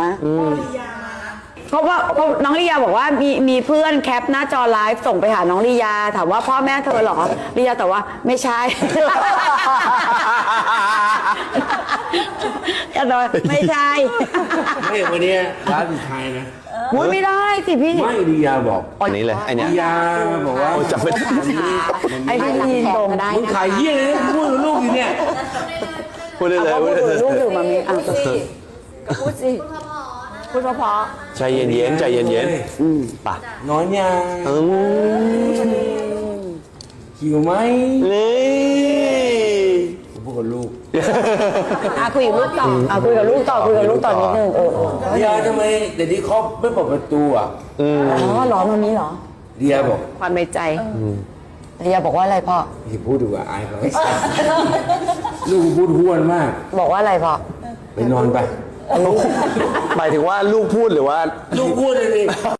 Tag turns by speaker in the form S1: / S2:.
S1: เพราะว่าน้องลียาบอกว่ามีเพื่อนแคปหน้าจอไลฟ์ส่งไปหาน้องลียาถามว่าพ่อแม่เธอเหรอลียาแต่ว่าไม่ใช่แต่ว่าไม่ใช่
S2: ไม่วันนี้ร้านสุดท้ายนะ
S1: มุ้ยไม่ได้สิพี่
S2: ไม่ดิยาบอก
S3: อันนี้เลยไอเนี้ย
S2: ดิยาบอกว่า
S3: จำไม่ได้
S1: ไอ้ที่ยินตรง
S2: มึงขายเยี่ยเลยนะพูดกับลูกอยู่เนี่ย
S3: พูดได้เลย
S1: เอา
S3: พู
S1: พู
S3: ด
S1: ด
S3: ได้เลย
S1: ลูกอยู่มามีอ่ะพูดสิพูดเพราะ
S3: ใจเย็นๆใจเย็นๆป่ะ
S2: น้อยยังหิวไหม
S3: นี่
S2: ผมพูดกับลูก
S1: คุยกับลูกต่อคุยกับลูกต่อคุยกับลูกต่อนิดนึง
S2: ดิยาทำไมเดี๋ยวนี้เขาไม่เปิดประตูอ่ะ
S1: อ๋อหรอมามีหรอ
S2: ดิยาบอก
S1: ความในใจลียาบอกว่าอะไรพ่อ
S2: อย่าพูดดีกว่าอายเขาลูกพูดห้วนมาก
S1: บอกว่าอะไรพ่อ
S2: ไปนอนไป
S3: หมายถึงว่าลูกพูดหรือว่า
S2: ลูกพูดเลยดิ